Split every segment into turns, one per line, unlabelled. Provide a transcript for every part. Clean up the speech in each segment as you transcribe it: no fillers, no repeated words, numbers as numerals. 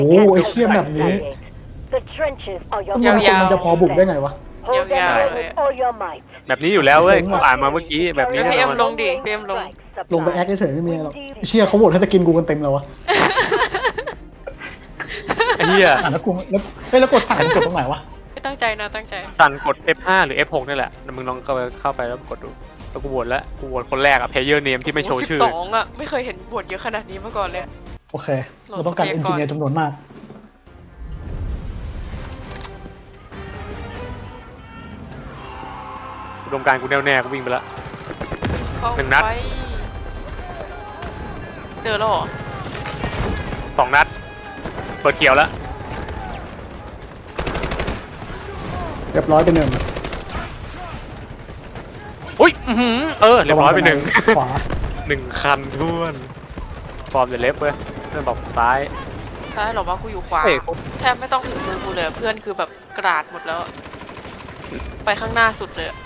โอ้ไอเชี่ยแบบนี้ทำไมคนมันจะพอบุกได้ไงวะ
ยาวๆเลย
แบบนี้อยู่แล้วเว้ยกูอ่านมาเมื่อกี้แบบนี้
แล้ว
แน่
พี่เอ็
น
ม
อน
ลงดิพี่เอ็มลง
ลงไปแอคเฉยๆไม่มีอะไรหรอกเชี่ยเขาโหวตให้สกินกูกันเต็มแล้ววะ
ไอ้เหี้ย
แล้วกูแล้วกดสั่งกดตรงไหนวะ
ไม่ตั้งใจนะตั้งใจ
สั่นกด F5 หรือ F6 นี่แหละมึงลองเข้าไปแล้วกดดูแล้วกูโหวตแล้วกูโหวตคนแรกอะ player name ที่ไม่โชว์ชื่อ
12อ่ะไม่เคยเห็นบวชเยอะขนาดนี้มาก่อนเลย
โอเคเราต้องการเอนจิเนียร์จำนวนมาก
อุดมการณ์กูแน่วแน่กูวิ่งไปแล้ว
เข้า
หนึ่งนัด
ไปเจอแล้วเหรอ
2 นัดเปิดเขียวแล้ว
เรียบร้อยไปหนึ่ง
อุ้ยเรียบร้อยไปหนึ่ง
ขวา
1 คันท้วนฟอร์มเดเล็บเว้ยเพื่อนบอกซ้าย
ซ้ายเหรอวะกูอยู่ขวา
เฮ้ย
แทบไม่ต้องถึงมือกูเลยเพื่อนคือแบบกราดหมดแล้วอะไปข้างหน้าสุดเลยอะ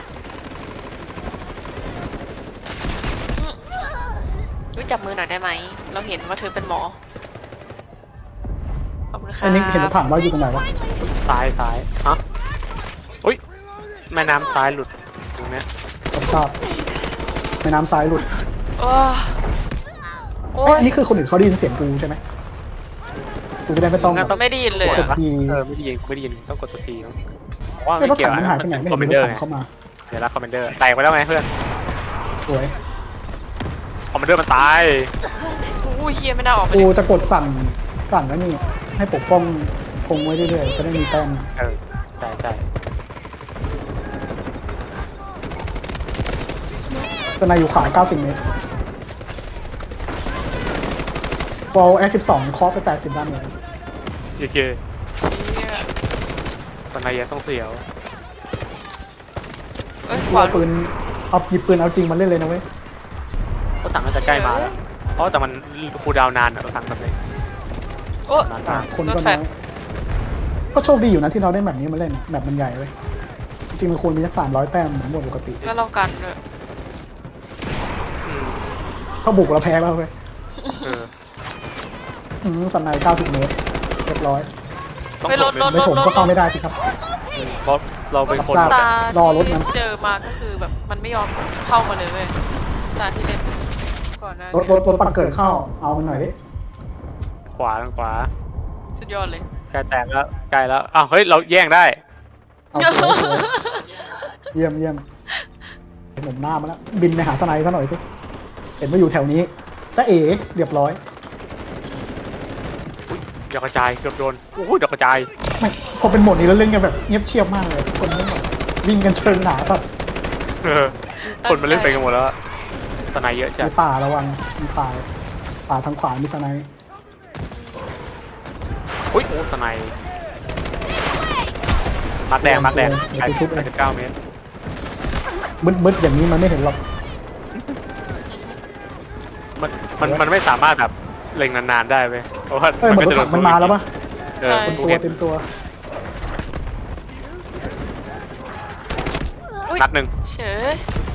รู้จับมือหน่อยได้ไหมเราเห็นว่าเธอเป็นหมอขอบคุณค่ะ
ไอ้นิกเห็นรถถังว่าอยู่ตรงไหนวะ
ซ้ายฮะอุ้ยแม่น้ำซ้ายหลุดตรงเนี้ย
ผมทราบแม่น้ำซ้ายหลุด
โอ้โอ้
เอ้ย
ย
อันนี้คือคนอื่นเขาได้ยินเสียงกูใช่ไหมกูจะได้ไม่ต้องแบบ
ไม่ได้ยินเลย
ก
อะ
ดที
ไม่ได้ยินต้องกดตัวทีเนอะว่า
ไอ้
ไม่
รถ
เกี่ย
ถั
ว
งมันหายไปไหนไม่
คอมเม
เห็
น
น
เด
ร
อ
ถ
ร์
ถังเข้ามา
เดี๋ยวละคอมเมนเดอร์แตกไปแล้วไงเพื่อน
สวย
คอมเมนเดอร์มันตาย
อู้ยเฮียไม่น่าออกไป
กู
เลย
จะกดสั่งแล้วนี่ให้ปกป้องธงไว้เรื่อยๆจะได้มีแต้ม
ใช่
สนายอยู่ขวา90 เมตรบอล F12 เคาะไป80 ด้านเลย
โอเค
เชี่ย
ตอนนายต้องเสียว
เอ้ยข
กู
วา
เอาปืนเอาหยิบปืนเอาจริงมาเล่นเลยนะเว้ย
ก็ถังน่าจะใกล้มาแล้วเพราะแต่มันคูลดาวน์นานอะถังแบบนี้
โอ้
นานมาก
คน
ร
ก็
ถแฟ
น้
ด
อยก็โชคดีอยู่นะที่เราได้แบบนี้มาเล่นแบบมันใหญ่เลยจริงๆมันควรมีสัก300 แต้มเหมือนหมดปกติ
แล้วเรากันด้วย
ถ้าบุกเราแพ้แล้วเว้ย
เออ
สนาย90 เมตรเรียบร้อย
ต้อง
ไปรถ
ไม่ถมก็เข้าไม่ได้สิครับ
เพราะเราเป็นคน
ทราบ
ตาร
อรถมัน
ที่เจอมาก็คือแบบมันไม่ยอมเข้ามาเลยเว้ยตาที่เล่นก่อนหน้าร
ถปักเกิดเข้าเอามันหน่อยดิ
ขวาทางขวา
สุดยอดเลย
ใกล้แตกแล้วใกล้แล้วอ้าวเฮ้ยเราแย่งได้
เอาสวยๆเยี่ยมหนุ่มหน้ามาแล้วบินไปหาสไนซะหน่อยสิเห็นว่าอยู่แถวนี้จ้าเอ๋เรียบร้อย
ดอกกระจายเกือบโดนโอ้ยดอกกระจาย
ไม่พอเป็นโหมดนี้แล้วเล่นกันแบบเงียบเชียบมากเลยทุกคนไม่แบบวิ่งกันเชิงหนาแบบ
เออคนมาเล่นไปกันหมดแล้วสนายเยอะจัด
มีป่าระวังมีป่าทางขวามีสไน
อุ้ยโอ้สนายมาร์คแดงไกล89 เมตร
มืดๆอย่างนี้มันไม่เห็นหรอก
มันไม่สามารถแบบเล็งนานๆได้เว้ยเพราะว่า
เอ้ยเหมือนรถถังมันมาแล้วปะ
เออ
เต็ม
กู
ตัว
เห็น
เต็มตัว
อุ๊ย
นัดหนึ่ง
เฉย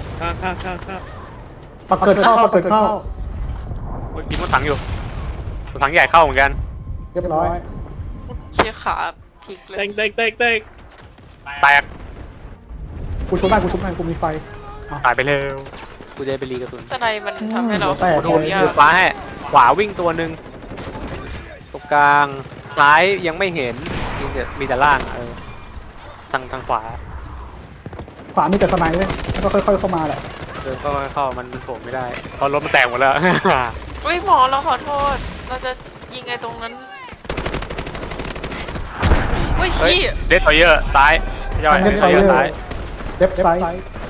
ปักเกิดเข้า
อุ๊ยยิงรถถังอยู่รถถังใหญ่เข้าเหมือนกัน
เรียบร้อย
เชี่ยขาพลิกเลย
แตก
กูชุบได้กูมีไฟ
ตายไปเร็วกูจะไปรีกระสุน
สไนมันทำให้เรา
แต่
โด
โด
น
น
ยิ
ยาง ก
ฟ้าให้ขวาวิ่งตัวหนึ่งตรงกลางซ้ายยังไม่เห็นมีแต่ล่างอะทางขวา
ขวามีแต่สไนเลยแล้วก็ค่อยๆเข้ามาแหละ
เข้ามันโถมไม่ได้เพราะรถมันแตกหมดแล้ว
อุ้ยหมอเราขอโทษ เราจะยิงไงตรงนั้นอุ้ย
เฮ้ย
ขี้
เดสทอยเยอร์ซ้ายย่อยเดสทอยเยอร์ซ้าย
เว็บไซต์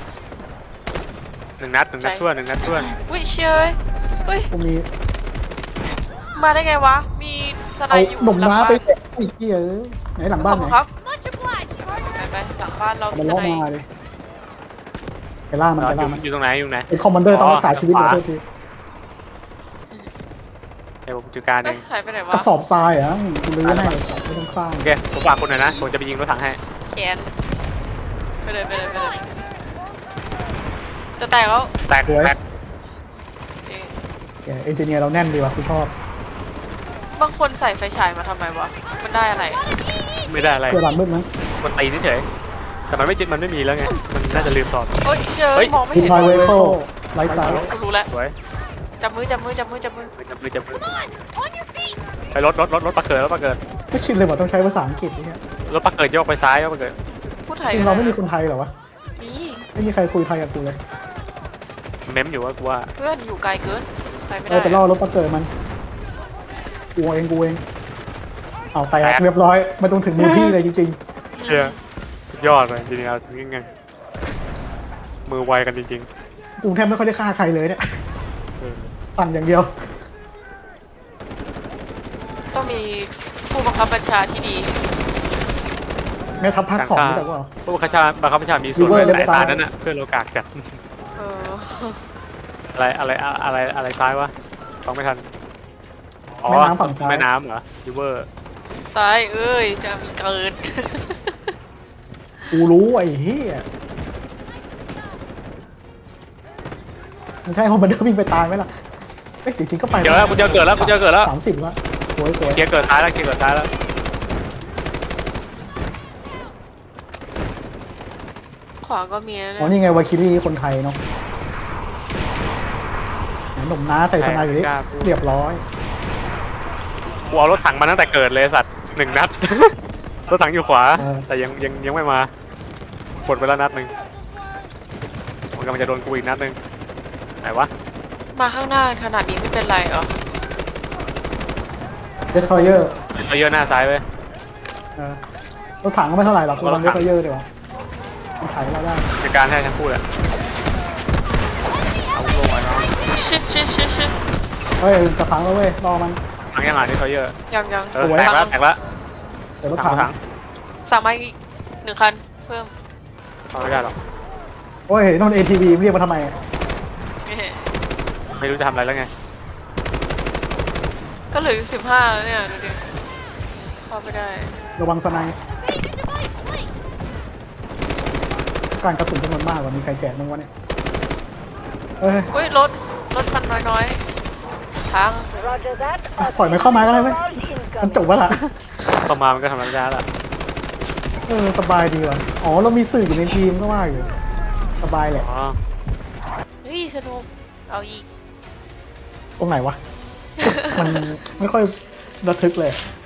หนึ่งนัดทั่วน
อุ้ยเชยอุ้ย
กูมี
มาได้ไงวะ มีสไน
เอา
อยู่
หนุ่ม
หลัง
ม้า
บ้าน
ไปไอ้เหี้ยไหนหลังบ้านไหน
ขอบคุณครับไปหลังบ้านเรา
มัน
ส
ล่อ
ไน
มาเลยไปล่ามันไปล่ามัน
อยู่ตรงไหน
เป็นคอมมานเดอร์ต้องรักษาชีวิตเลยโทษที
เดี๋ยวผมจัดการเอ
เอ้ย
ง
หายไปไหน
ก
วะ
ระสอบทรายเหรอ่ะกูลื้อให้ไม่ต้องสร้าง
โอเคผมฝากคุณหน่อยนะผมจะไปยิงรถถังให้
แขนไปเลยจะแตกแล้ว
แตก
แกเอนจิเนียร์เราแน่นดีว่ะกูชอบ
มบางคนใส่ไฟฉายมาทำไมวะ มันได้อะไร
ไม่ได้อะไร
เพื่อหลังมืดมั้ง
มันตีเฉยๆแต่มันไม่มีแล้วไงมันน่าจะลืมตอบ
โอ๊ยเชย
เฮ้ย
มองไม่
อิน
เห็น
ไทเวโคไลท์ไซด์
รู้แล้ว
สวย
จับมือจับมือจับมือจับมือ
จับมือไปรถปลาเกิดรถปลาเกิด
ไม่ชินเลยว่าต้องใช้ภาษาอังกฤษเนี่ย
รถปลาเกิดโยกไปซ้ายโยกปลาเกิด
พูดไทย
จริงเราไม่มีคนไทยเหรอวะ
นี่
ไม่มีใครคุยไทยกับกูเลย
เม้มอยู่ว่ากูว่า
เพื่อนอยู่ไกลเกิน ไปไม่
เออ
ได้
ไปล่อรถปลาเกิดมันกูเองเอาแตกเรียบร้อยไม่ต้องถึงมือพี่เลยจริง
เชี่ยยอดเลยจริงๆเอาจริงไงมือไวกันจริง
ๆกูแทบไม่ค่อยได้ฆ่าใครเลยเนี่ย
ๆเออ
สั่งอย่างเดียว
ต้องมีผู้บังคับบัญชาที่ดี
แม่ทัพภาค2นี่แต่ว่า
ผู้บังคับบัญชามีส่วน
River
แต่
left
ตา
side
นั้นน่ะเพื่อนเรากากจัด
เออ
อะไรซ้ายวะฟังไม่ทันอ๋อ
แม่น้ำฝั่งซ้าย
แม่น้ำเหรอริเวอร์
ซ้ายเอ้ย จะมีเกิน
กูรู้ไอ้เหี้ยมันใช่เพราะมันเดินวิ่งไปตายไหมล่ะเอ้ยจริงๆก็ไป
เดี๋ยวแล้วกูเจอเกิดแล้ว
30แล้วสวย
เคลียร์เกิดซ้ายแล้ว
ขวาก็มีนะ
อ๋อนี่ไงวาคิรี่คนไทยเนาะหนุ่มน้าใส่สไนด์อยู่นี่เรียบร้อย
กูเอารถถังมาตั้งแต่เกิดเลยสัตว์1 นัด รถถังอยู่ขวาแต่ยังไม่มาปลดไปแล้วนัดหนึ่งมันกำลังจะโดนกูอีกนัดหนึ่งไหนวะ
มาข้างหน้าขนาดนี้ไม่เป็นไรเหรอ
เดสทอยเยอร์
เอาเยอะหน้าซ้ายไป
รถถังก็ไม่เท่าไหร่หรอกระวังเดสทอยเยอร์ดีกว่ามันไถเราได้
จัดการให้ทั้งคู่แหละเอาลงมาเนาะ
ชิด
เฮ้ยจะพังแล้วเว้ยรอมัน
ทางยังหลังที่เขาเยอะ
ยัง
แตกแล้ว
เดี๋ยวรถถัง
ถัง
สั่งมาอีก1 คัน เพิ่ม
เอาไม่ได้หรอก
โอ้ยนน ATV เรียกมาทำไม
ไม่รู้จะทำอะไรแล้วไง
ก็เหลืออยู่15แล้วเนี่ย ดูดิพอไม่ได้
ระวังสไนด์การกระสุนจำนวนมากกว่ามีใครแจกมั้งวะเนี่ยเอ้ย
อุ้ยรถคันน้อยๆพัง
ปล่อยมันเข้ามาก็ได้ไหมมันจบแล้วล่ะ
เข้ามามันก็ทำอะไรไม่ได้ละ
สบายดีว่ะอ๋อเรามีสื่ออยู่ในทีมก็ว่าอยู่สบายแหละ
อ๋อ
เฮ้ยสนุก เอาอีก
ตรงไหนวะ มันไม่ค่อยระทึกเลย